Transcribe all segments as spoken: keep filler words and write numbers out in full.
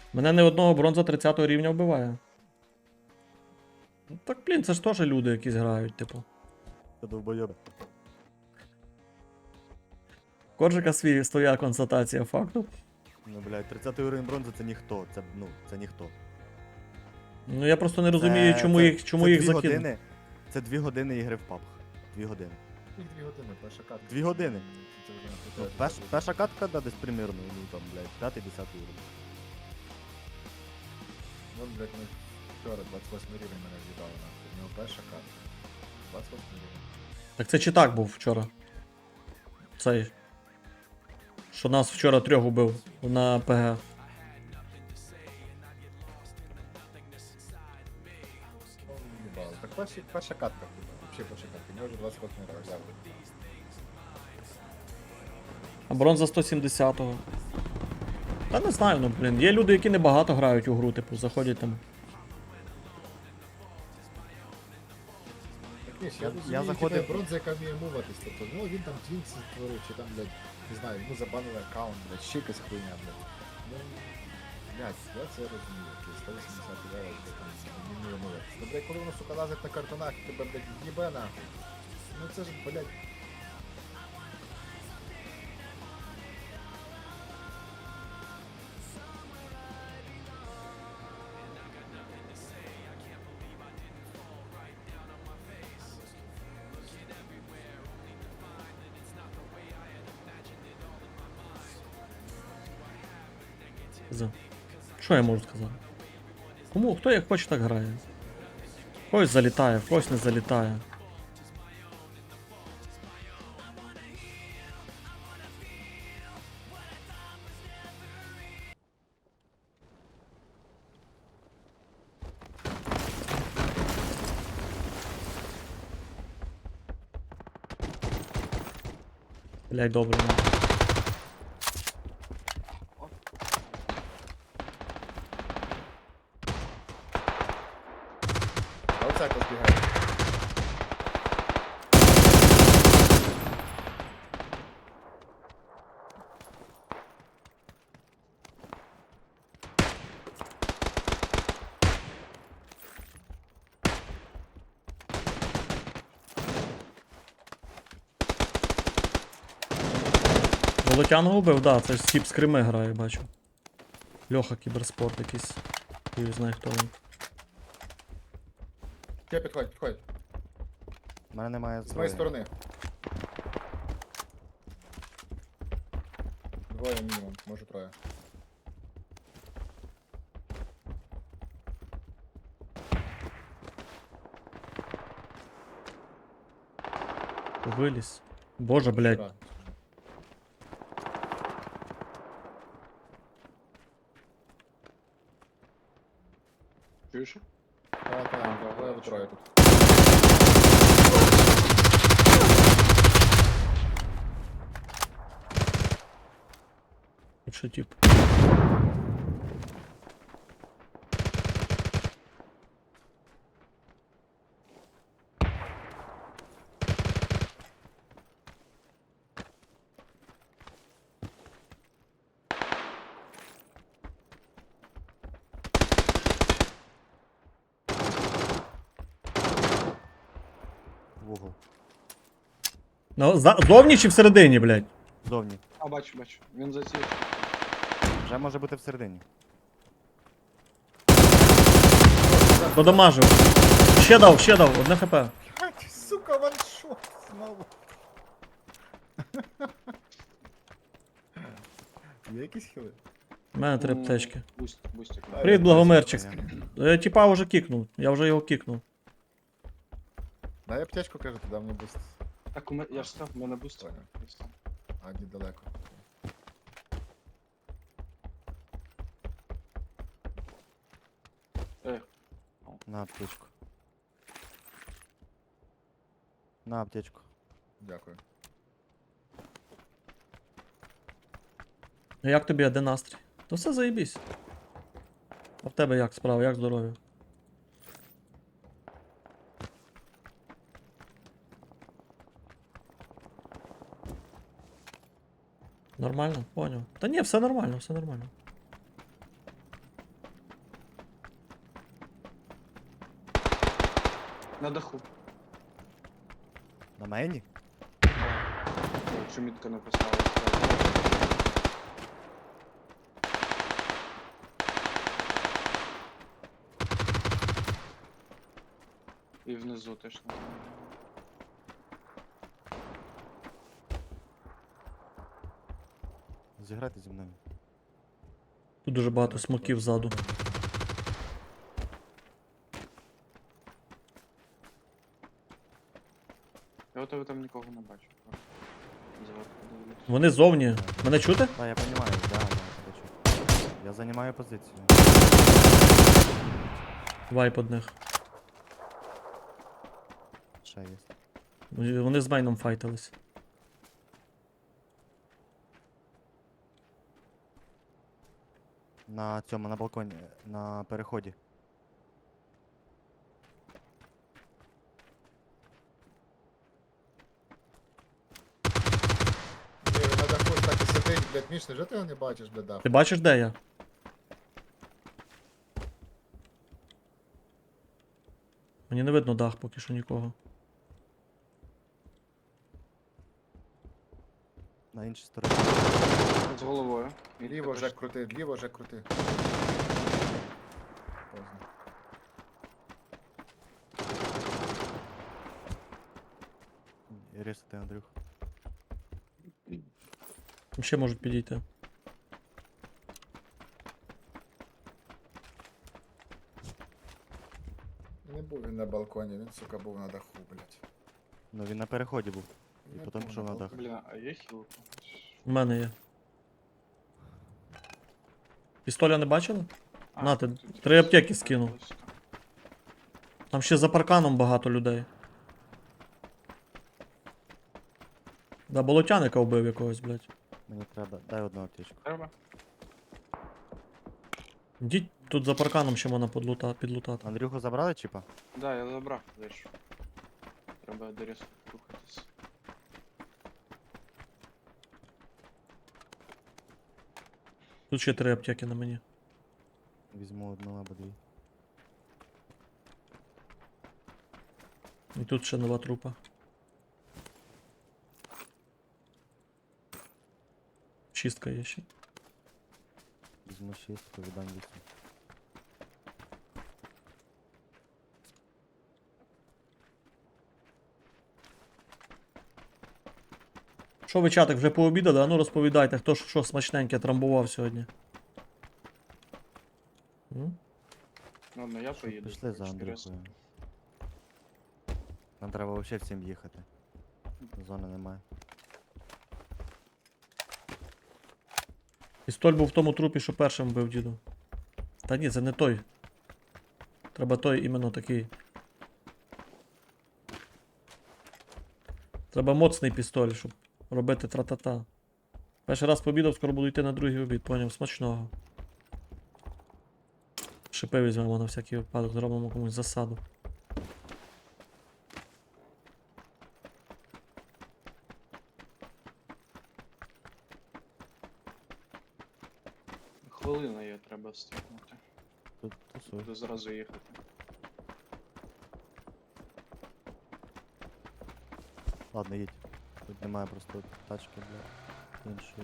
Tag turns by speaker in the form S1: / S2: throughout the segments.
S1: Мене не одного бронза тридцятого рівня вбиває. Ну так, блін, це ж теж люди якісь грають, типу.
S2: Це довбойоби.
S1: Коржика свій своя констатація факту.
S2: Ну, блядь, тридцятий уровень бронзи це ніхто. Це, ну, це ніхто.
S1: Ну я просто не розумію,
S2: Це-
S1: чому
S2: це-
S1: їх, чому
S2: це
S1: їх
S2: дві
S1: закинули.
S2: години. Це дві години ігри в пабг. Дві години.
S3: Їх дві години, перша катка.
S2: Дві години.
S3: Це вже
S2: Ну,
S3: не
S2: перш, перша катка, да, десь примірно, ну там, блядь, п'ятий-десятий уровень.
S3: Ну, блядь, ми вчора двадцять восьмий рівень мене з'їдали нахуй. У нього перша катка. двадцять восьмий рівень.
S1: Так це чи так був вчора? Цей. Що нас вчора трьох убив на ПГ.
S3: Ну, їбало. Так перші, перша катка, взагалі перша катка. У нього вже двадцять восьмий рівень, дякую.
S1: А бронза сто сімдесятого. Та не знаю, ну блін. Є люди, які небагато грають у гру, типу, заходять там.
S3: Так, ні,
S2: Я-
S3: я,
S2: я
S3: я
S2: заходив-
S3: заходив... бронза, яка вміє муватись, тобто, ну він там твінкс створив, чи там, блядь, не знаю, йому забанили аккаунт, блядь, ще якась хуйня, блядь. Ну, блядь, я це розумію, окей, сто вісімдесят левел, блядь, там, не вміє муватись. Ну, блядь, коли воно, сука, лазить на картонах, і тебе, блядь, їбе нахуй. Ну це ж, блядь,
S1: За. Що я можу сказати? Кому, хто як хоче, так грає. В когось залітає, в когось не залітає. Блять, добре. ну.
S3: а оце якось бігає.
S1: Волотяного убив, да, це ж тип з Крими грає, бачу. Льоха кіберспорт якийсь. Я знаю, хто він.
S3: Ще підходь, підходь.
S2: У мене немає
S3: З моєї
S2: зброї.
S3: сторони. Двоє мінімум, може троє.
S1: Виліз. Боже, блять.
S3: Вчора.
S4: Чуєш?
S3: Так, так, двоє або троє тут.
S1: Тут ще тип.
S2: В угол.
S1: Ну, за... Зовні чи всередині, блять?
S2: Зовні.
S4: А, бачу, бачу. Він за ці.
S2: Вже може бути всередині.
S1: Подамажив. Ще дав, ще дав, одне хп.
S3: Ать, сука, ваншот знову. Є якісь хіли?
S1: У мене три аптечки.
S4: Буст, бустик.
S3: А,
S1: Привіт,
S3: я
S1: Благомирчик.
S2: Понятно.
S1: Я типа вже кікнув. Я вже його кікнув.
S3: Дай аптечку, кажу, туди мені буст.
S4: Так, у мене, я ж сказав, у мене буст.
S3: Понял. А, ні, далеко.
S4: Е,
S2: На аптечку. На аптечку.
S3: Дякую.
S1: А як тобі, а де настрій? То все заєбісь. А в тебе як справа, як здоров'я? Нормально? Поняв. Та ні, все нормально, все нормально.
S4: На даху.
S2: На мейні?
S4: Якщо мітка не поставила. І внизу теж не.
S2: Зіграйте зі мною.
S1: Тут дуже багато смоків ззаду.
S4: Я у тебе там нікого не бачу. Зверху дивлюсь.
S1: Вони зовні. Мене чути?
S2: Так, я розумію, да, да, хочу. Я займаю позицію.
S1: Вайп одних.
S2: Ще є.
S1: Вони з мейном файтились.
S2: На цьому, на балконі, на переході.
S3: Ні, він на даху так і сидить, блядь, Міш, невже ти його не бачиш, блядь, даху?
S1: Ти бачиш, де я? Мені не видно дах поки що нікого.
S2: На іншій стороні.
S4: З головою. Мітка
S3: Ліво
S4: теж.
S3: вже крути, ліво вже крути. Поздно.
S2: Рісати, Андрюх.
S1: Там ще можуть підійти.
S3: Не був він на балконі, він, сука, був на даху, блядь.
S2: Ну він на переході був. І
S3: Не
S2: потім
S3: був
S2: пішов на дах.
S3: балконі.
S4: Бля, а є хілка?
S1: У мене є. Пістоля не бачили?
S4: А,
S1: На, ти
S4: тут
S1: три
S4: якось
S1: аптеки скинув.
S4: близько.
S1: Там ще за парканом багато людей. Да, болотяника вбив якогось, блядь.
S2: Мені треба. Дай одну аптечку.
S4: Треба?
S1: Йдіть тут за парканом ще можна подлута, підлутати.
S2: Андрюху забрали чіпа?
S4: Да, я забрав дещо. Треба до різку рухатись.
S1: Тут ще три аптеки на мені.
S2: Візьму одну або дві.
S1: І тут ще нова трупа. Чистка є ще.
S2: Візьму шістку, віддам вісім.
S1: Що ви, чатик, вже пообідали? А ну розповідайте, хто ж що смачненьке трамбував сьогодні. М?
S4: Ладно, я поїду.
S2: Пішли за
S4: якщо різко.
S2: Андрюхою. Нам треба взагалі всім їхати. Зони немає.
S1: Пістоль був в тому трупі, що першим вбив діду. Та ні, це не той. Треба той іменно такий. Треба моцний пістоль, щоб робити тра-та-та. Перший раз пообідав, скоро буду йти на другий обід, поняв, смачного. Шипи візьмемо на всякий випадок, зробимо комусь засаду.
S4: Хвилина є, треба встигнути.
S2: Тут тусуй.
S4: Буду зразу їхати.
S2: Ладно, їдь. Тут немає просто тачки для іншої.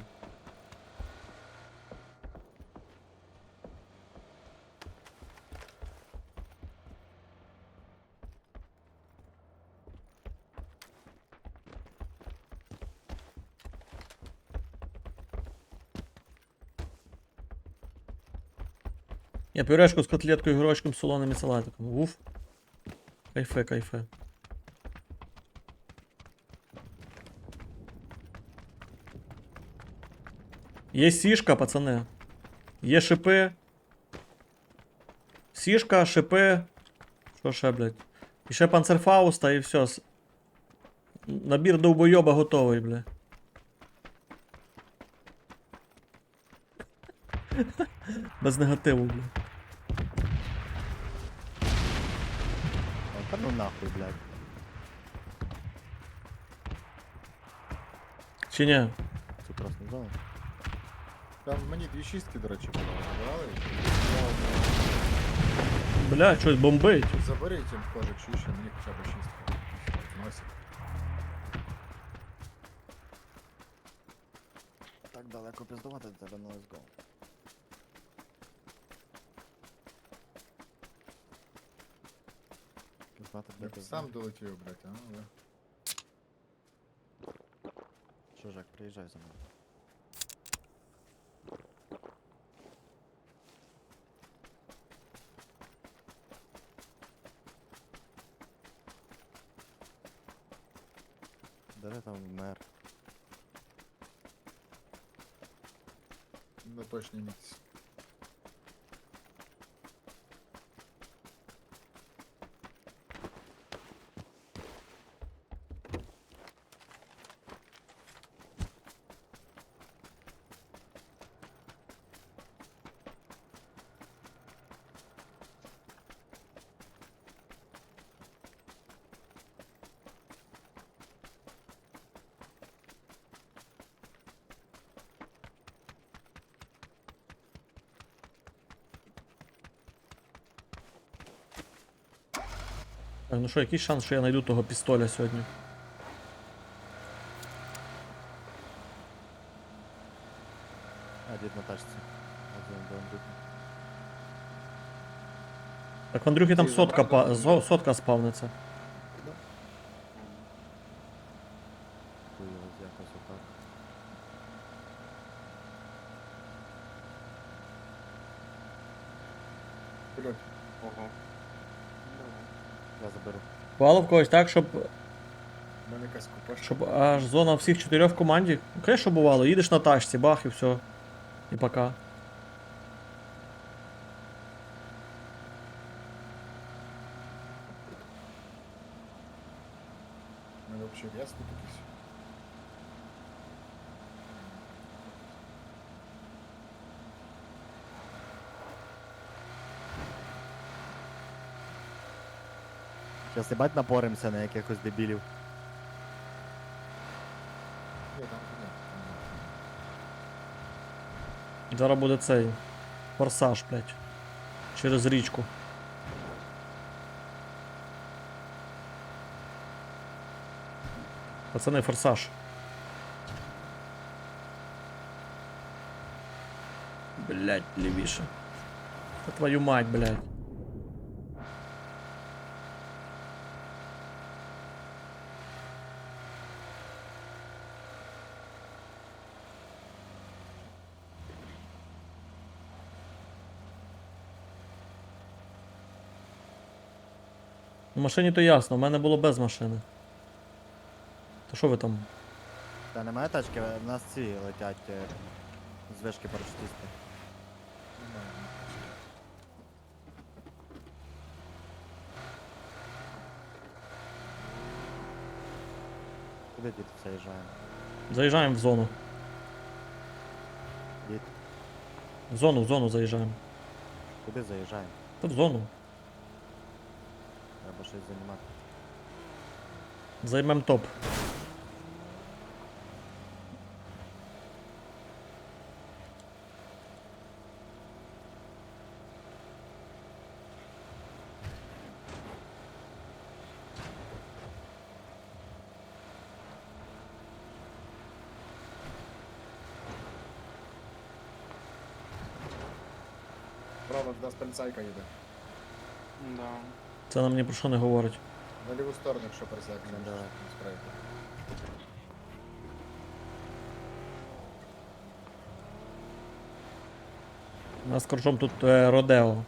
S1: Я пюрешку з котлеткою, грочком, солоним і салатиком. Уф. Кайфе, кайфе. Є сішка, пацани. Є шипи. Сішка, шипи. Що ще, блядь? І ще панцерфауста і все. С- Набір довбойоба готовий, бля. Без негативу, бля.
S2: А, та ну нахуй, блядь.
S1: Чи ні?
S2: Це красна зона.
S3: Там мені дві шістки, до речі, були, забирали.
S1: Бля, щось бомбить.
S3: Заберіть їм кожик, чи ще мені хоча б шість. Носик.
S2: Так далеко піздувати до тебе, ну let's go. Піздати,
S3: Я
S2: де
S3: б
S2: ти
S3: сам долетів, блядь, а, але...
S2: Чужак, приїжджай за мною. Де ти там мер?
S3: На точній місці.
S1: Так, ну що, який шанс, що я знайду того пістоля сьогодні?
S2: А, дід на тачці. Один до Андрюхи.
S1: Так в Андрюхі там
S3: Ти
S1: сотка,
S3: забрав
S1: па...
S3: до
S1: зо- сотка спавниться.
S2: Хуйовось якось отак.
S3: Блядь,
S4: Ого. Давай.
S2: Я заберу.
S1: Бувало в когось так, щоб,
S3: в мене якась купашка.
S1: щоб аж зона всіх чотирьох в команді. Ну, конечно, бувало, їдеш на тачці, бах і все. І пока.
S3: У мене взагалі рез тут якийсь.
S2: Щас їбать напоримося на якихось дебілів.
S3: Ні, там ні. там
S1: Зараз буде цей форсаж, блядь. Через річку. Пацани, форсаж. Блядь, лівіше. Та твою мать, блядь. В машині то ясно, в мене було без машини. То що ви там?
S2: Та немає тачки, в нас ці летять е, з вишки парашутисти.
S3: немає.
S2: Куди дід заїжджаємо?
S1: Заїжджаємо в зону.
S2: Дід,
S1: В зону, в зону заїжджаємо.
S2: куди заїжджаємо?
S1: Та в зону.
S2: Треба щось займати.
S1: Займем топ.
S3: Право, до нас поліцайка їде.
S4: Да.
S1: Це нам ні про що не говорить.
S3: На ліву сторону, якщо поліцайка
S2: Ну,
S3: не
S2: давай.
S3: справити.
S1: У нас коржом тут е, Родео.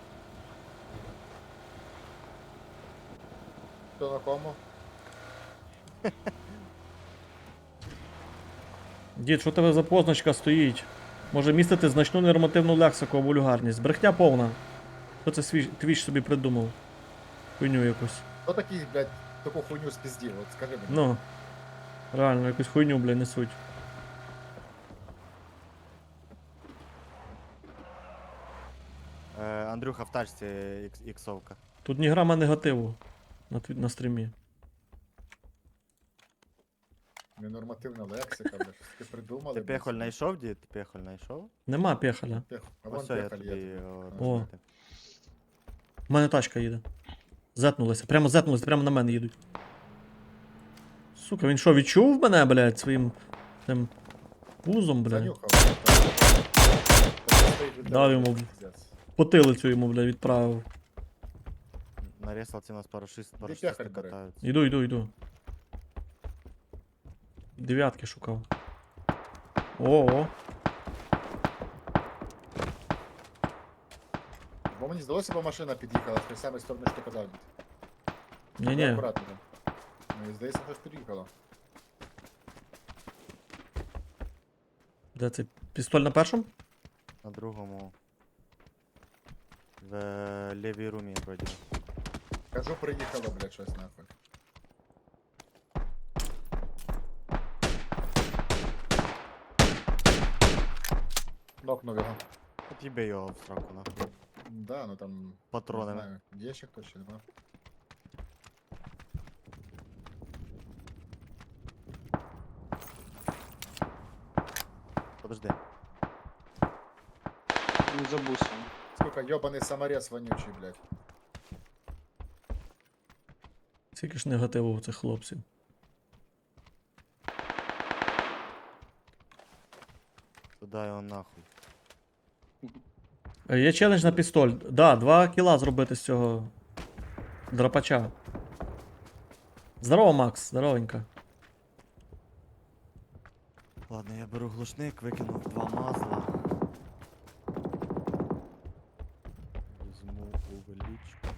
S3: Хто на кому?
S1: Дід, що у тебе за позначка стоїть? Може містити значну нормативну лексику або вульгарність. Брехня повна. Хто це свій твіч собі придумав? Хуйню якусь.
S3: Хто такий, блядь, таку хуйню спіздів? От скажи мені.
S1: Ну. Реально, якусь хуйню, бля, несуть.
S2: Е, Андрюха в тачці ікс- іксовка.
S1: Тут ні грама негативу на, тві- на стрімі.
S3: Ненормативна лексика, блядь, щось таке придумали.
S2: Ти
S3: блядь,
S2: пехоль
S3: собі.
S2: знайшов, дід? Пехоль знайшов?
S1: Нема пехаля.
S3: Пех- А вон
S2: Ось я
S3: пехаль
S2: тобі
S3: є.
S2: його
S3: О.
S1: О.
S2: розбити.
S1: У мене тачка їде. Зетнулися. Прямо зетнулися, прямо на мене їдуть. Сука, він що, відчув мене, блядь, своїм тим пузом, блядь?
S3: Занюхав. так. Тобто стоїть від
S1: Дав
S3: тебе,
S1: йому.
S3: пиздець.
S1: Потилицю йому, блядь, відправив.
S2: На ресалці у нас парашист,
S3: пехарь
S2: парашисти
S3: бере?
S2: катаються.
S1: Іду, іду, іду. Дев'ятки шукав. О-о.
S3: Бо мені здалося, бо машина під'їхала з тієї самої сторони, що ти казав.
S1: Ні-ні.
S3: Акуратно там. Мені здається, щось під'їхало.
S1: Де цей пістоль на першому?
S2: На другому. В е, лівій румі вроді.
S3: Кажу, приїхало, блядь, щось нахуй. Нокнув його.
S2: От їби його в сраку нахуй.
S3: Да, ну там...
S2: Патрони.
S3: Не знаю, є ще хтось чи нема?
S2: Подожди.
S4: Він за бусом.
S3: Сука, йобаний саморез вонючий, блядь.
S1: Скільки ж негативу у цих хлопців.
S2: Туди його нахуй.
S1: Е, Є челендж на пістоль. Да, два кіла зробити з цього драпача. Здорово, Макс, здоровенько.
S2: Ладно, я беру глушник, викинув два масла. Візьму увеличку.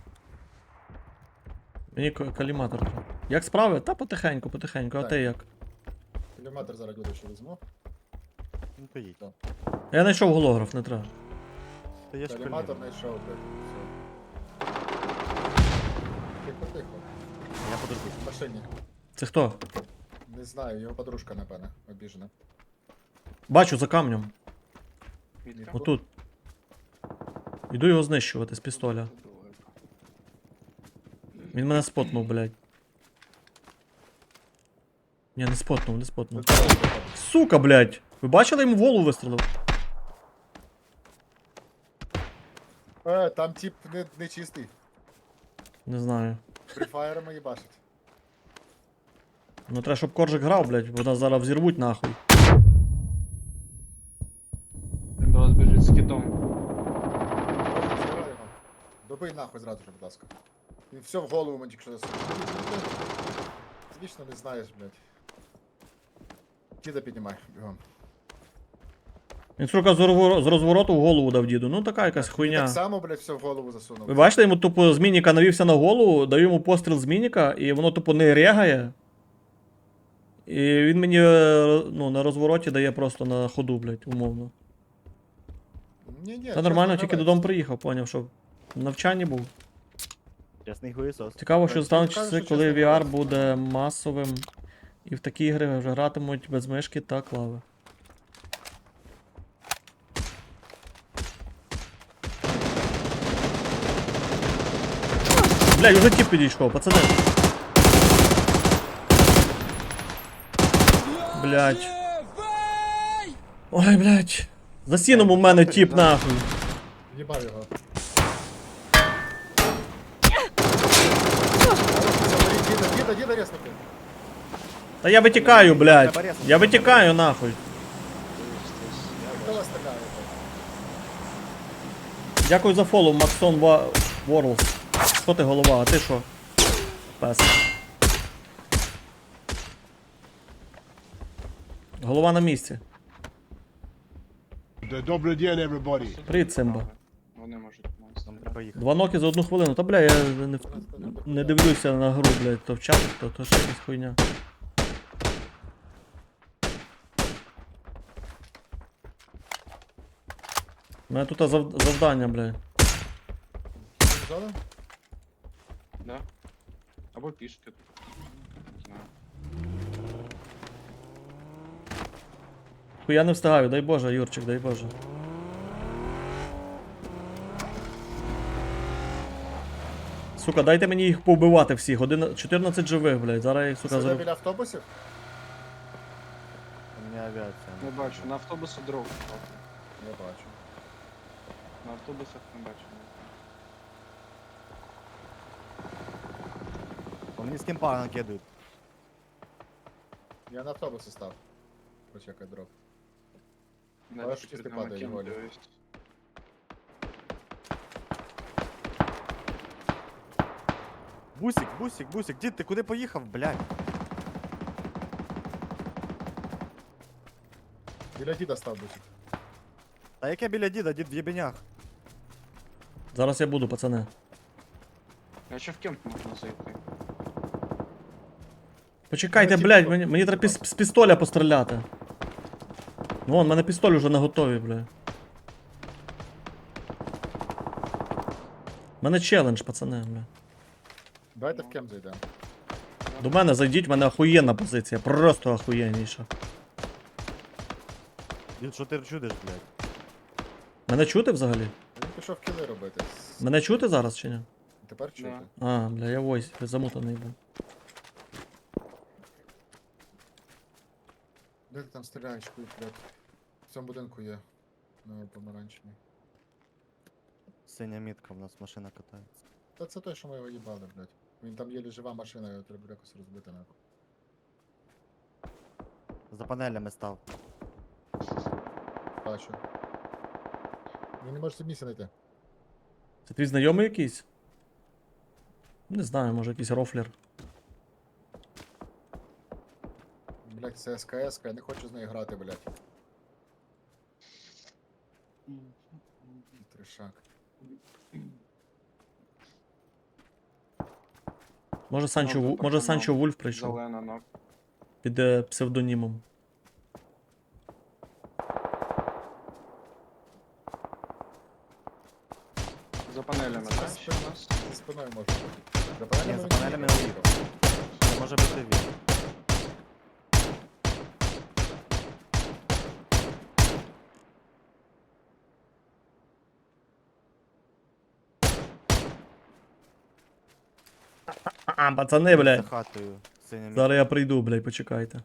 S1: Мені ка- каліматор треба. Як справи? Та потихеньку, потихеньку, а
S3: Так.
S1: ти як?
S3: Кілометр зараз буде ще візьму.
S2: Ну то їдь.
S1: Я знайшов голограф, не треба.
S2: Та є ж
S3: Каліматор
S2: коліна.
S3: знайшов, блядь. Все. Тихо, тихо.
S2: Я подожду.
S3: В машині.
S1: Це хто?
S3: Не знаю, його подружка, напевне, обіжена.
S1: Бачу за камнем.
S4: Вітка.
S1: Отут. Іду його знищувати з пістоля. Він мене спотнув, блядь. Ні, не спотнув, не спотнув. Сука, блядь! Ви бачили, йому в голову вистрелив?
S3: Е, там тип не, не чистий.
S1: Не знаю.
S3: Фріфаєрами їбашить.
S1: Ну треба, щоб коржик грав, блядь, бо нас зараз взірвуть нахуй.
S4: Він до вас біжить з кітом.
S3: Забирай його. Добий нахуй зразу же, будь ласка. Він все в голову мені тільки що засунув. Звісно, не знаєш, блядь. Діда піднімай, бігом.
S1: Він, сука, з розворо- з розвороту в голову дав діду. Ну така якась
S3: Він
S1: хуйня.
S3: так само, блядь, все в голову засунув.
S1: Ви бачите, йому тупо з мініка навівся на голову, даю йому постріл з мініка, і воно тупо не регає. І він мені е, ну, на розвороті дає просто на ходу, блядь, умовно.
S3: Ні, ні,
S1: Та нормально, тільки додому приїхав, поняв, що в навчанні був.
S2: Чесний хуєсос.
S1: Цікаво, що
S3: Так,
S1: стануть
S3: ну, кажуть,
S1: часи,
S3: що
S1: коли
S3: чесно,
S1: ві ар
S3: так.
S1: буде масовим, і в такі ігри вже гратимуть без мишки та клави. Блядь, уже тип підійшов, пацани. Блядь. Ой, блядь. За сіном у мене тип нахуй.
S3: Їбав його. Діда, діда, діда резнути.
S1: Та я витікаю, блядь. Я витікаю нахуй.
S3: Хто вас стріляє?
S1: Дякую за фоллоу, Максон Ворлс. Що ти голова, а ти що? Пес. Голова на місці.
S5: Добрий день, everybody.
S1: Привіт, Симба.
S4: Вони можуть
S2: Нам
S4: монстри.
S2: треба їхати.
S1: Два ноки за одну хвилину. Та бля, я не, не дивлюся на гру, блядь, то в чат, то, то ще якась хуйня. У мене тут зав... завдання, блядь.
S3: Зона?
S4: Да? Або пішки. Не знаю.
S1: Хуя не встигаю, дай Боже, Юрчик, дай Боже. Сука, дайте мені їх повбивати всіх. Один... чотирнадцять живих, блядь. Зараз я їх, сука,
S3: Сюди
S1: зару...
S3: біля автобусів?
S2: У мене авіація.
S4: Не бачу. На автобусу дров.
S3: Я бачу.
S4: На автобусах не бачу.
S2: Мені з кемпа накидують.
S3: Я на автобуси став. Почекай дроп.
S4: Навіть
S3: Бачиш,
S4: перед
S3: ти
S4: нами
S3: падає,
S4: кем
S3: Волі.
S4: дивись.
S2: Бусик, бусик, бусик, дід, ти куди поїхав, блядь?
S3: Біля діда став бусик.
S2: Та яке біля діда, дід в єбенях.
S1: Зараз я буду, пацани.
S4: А ще в кемп можна зайти.
S1: Почекайте,
S3: Ну,
S1: блядь,
S3: типу,
S1: мені, мені треба
S3: типу.
S1: піс- з пістоля постріляти. Вон, в мене пістоль вже на готові, бля. У мене челендж, пацани, бля.
S3: Давайте в кем зайдемо.
S1: До мене зайдіть, в мене охуєнна позиція, просто охуєнніша.
S2: Дід, що ти чудиш, блядь?
S1: Мене чути взагалі?
S3: Він пішов кіли робити. С-
S1: Мене чути зараз чи ні?
S3: Тепер чути.
S4: Да.
S1: А, бля, я войс, замутаний був.
S3: Де ти там стріляєш, хуй, блядь? В цьому будинку є. На помаранчевій.
S2: Синя мітка, в нас машина катається.
S3: Та це той, що ми його їбали, блядь. Він там єлі жива машина, його треба якось розбити нахуй.
S2: За панелями став.
S3: Бачу. Він не може собі місця знайти.
S1: Це твій знайомий якийсь? Не знаю, може якийсь рофлер.
S3: Блядь, це СКС, я не хочу з нею грати, блядь. Тришак.
S1: Може Санчо,
S4: Ну,
S1: Ву- може
S4: пацаном.
S1: Санчо Вульф прийшов
S4: Зелена ног.
S1: під е, псевдонімом.
S4: За панелями,
S3: Це
S4: так?
S3: спина.
S4: у нас?
S3: За спиною може бути. За панелями
S2: Ні, за
S3: він
S2: панелями
S3: не
S2: не
S3: їхав.
S2: Це може бути він.
S1: А, пацани,
S2: За
S1: блядь.
S2: хатою. Синя мітка.
S1: Зараз я прийду, блядь, почекайте.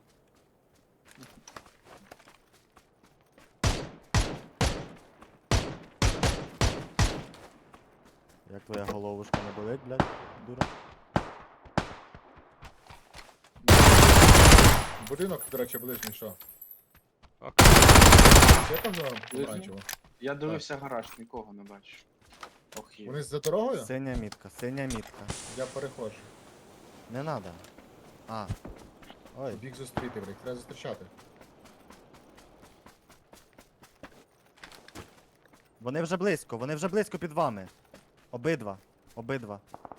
S2: Як твоя головушка не болить, блядь, дура?
S3: Будинок, до речі, ближній, що?
S4: Ок.
S3: Є там зона помаранчево?
S4: Я дивився гараж, нікого не бачу. Ох, є.
S3: Вони за дорогою?
S2: Синя мітка, синя мітка.
S3: Я переходжу.
S2: Не надо. А. Ой,
S3: Біг зустріти, блядь, треба зустрічати.
S2: вони вже близько, вони вже близько під вами. Обидва. Обидва.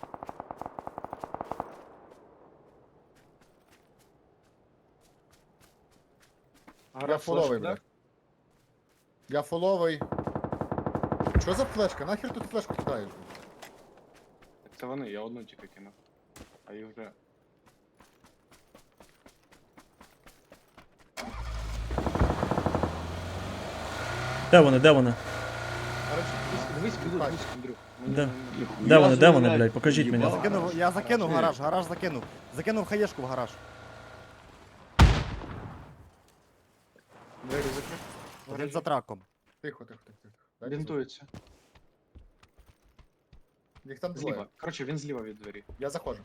S3: Я
S4: Гараж
S3: фуловий,
S4: флеш,
S3: блядь.
S4: так?
S3: Я фуловий. Що за флешка? Нахер тут флешку кидаєш? блядь?
S4: Це вони, я одну тільки кинув. А їх вже.
S1: Де вони, де вони?
S3: Короче,
S4: Дивись, підуть,
S3: так.
S4: дивись, Андрюх. Мені
S1: Де?
S4: не-
S1: Де вони, де вони, блядь, покажіть мені.
S2: Я закинув, я закинув
S4: Гараж.
S2: гараж, гараж закинув. Закинув хаєшку в гараж.
S4: Двері закрив.
S2: Один за траком.
S3: Тихо, тихо, тихо, тихо. Дайте
S4: Бінтується.
S3: звук. Їх там двоє.
S4: Зліва. Коротше, він зліва від двері.
S3: Я заходжу.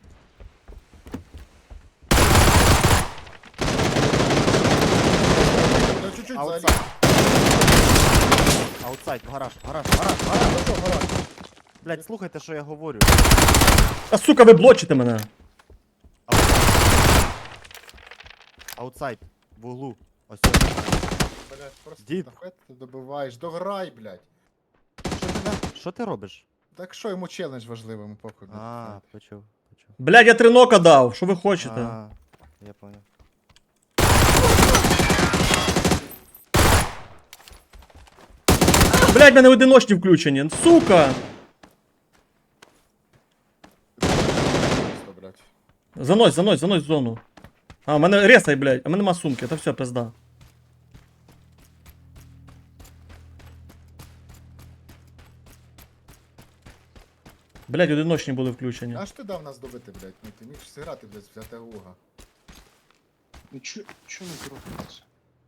S3: Ну чуть-чуть
S2: Аутсайд.
S3: взагалі.
S2: Аутсайд, в гараж, в гараж, в гараж, в гараж.
S3: Зайшов, гараж.
S2: Блядь, слухайте, що я говорю.
S1: А сука, ви блочите мене!
S2: Аутсайд, в углу. Ось.
S3: Блядь, просто
S2: Дід.
S3: нахуй ти добиваєш. Дограй, блядь.
S2: Що ти, на- що ти робиш?
S3: Так що йому челендж важливий, йому похуй. блядь.
S2: А, почув, почув.
S1: Блядь, я три нока дав, що ви хочете?
S2: А, я понял.
S1: Блядь, в мене одиночні включені, сука!
S3: Просто, блядь.
S1: Занось, занось, занось в зону. А, в мене ресай, блядь, а в мене нема сумки, та все, пизда. Блядь, одиночні були включені.
S3: А ж ти дав нас добити, блядь? Ну ти міг зіграти, блядь, взяти луга.
S4: Ну чо, чо не зробиться?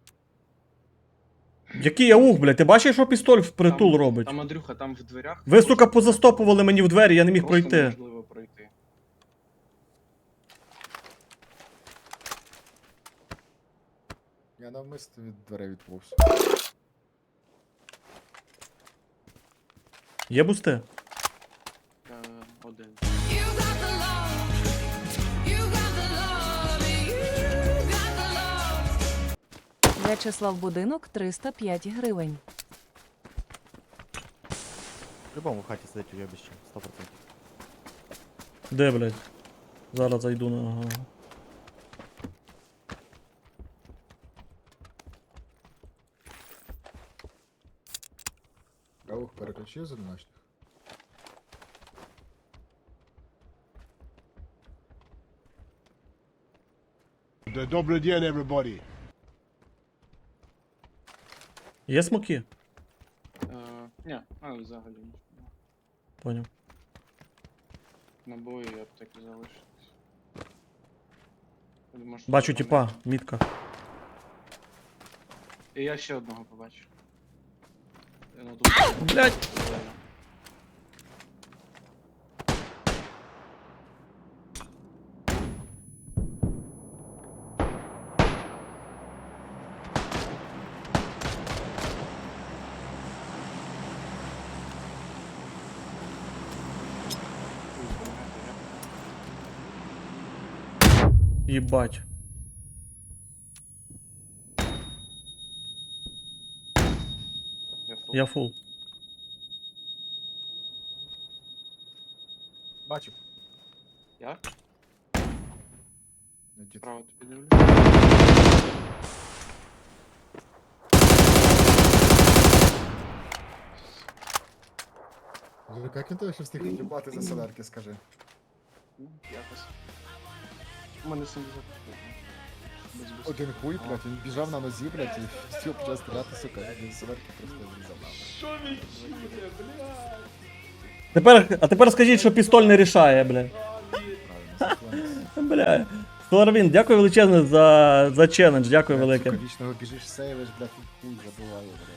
S1: Який аух, блядь, ти бачиш, що пістоль впритул
S4: Там-
S1: робить?
S4: Там Андрюха, там в дверях.
S1: Ви, сука, позастопували мені в двері, я не міг
S4: Просто
S1: пройти.
S4: неможливо пройти.
S3: Я навмисно від дверей відповз.
S1: Є бусти?
S4: Е, один.
S5: You got the love. You got the love. You got the love.
S6: В'ячеслав Будинок триста п'ять гривень.
S2: В любому в хаті сидить уйобище, сто процентів.
S1: Де, блядь? Зараз зайду на. Ага.
S3: Кавух переключив з одиночних.
S7: Добрый день, everybody.
S1: Є смоки?
S4: Е, ні, а взагалі нічого.
S1: Поняв.
S4: Набої і аптеки залишились. Я думаю, що
S1: Бачу,
S4: там
S1: типа,
S4: вони-
S1: мітка.
S4: І я ще одного побачив. Ну, тут
S1: Блядь!
S4: зелено. Ой, допомагайте, я-
S1: Їбать.
S4: Я фул.
S1: Я фул.
S3: Бачив.
S4: Я?
S3: Ну, дід.
S4: Право тобі дивлю.
S3: Вже як він тебе ще встиг відлюбати за солярки, скажи.
S4: Ну, якось. У мене сімдесят відсотків. Без бусту.
S3: Один хуй, блядь, він біжав на нозі, блядь, і хотів почав стріляти, сука, він солярки просто зрізав нахуй.
S1: Тепер, а тепер скажіть, що пістоль не рішає, блядь.
S3: Правильно, заклонився.
S1: Бля. Соларвін, дякую величезне за, за челендж, дякую велике.
S3: Сука, вічного біжиш, сейвиш, блядь, і хуй забуває, блядь.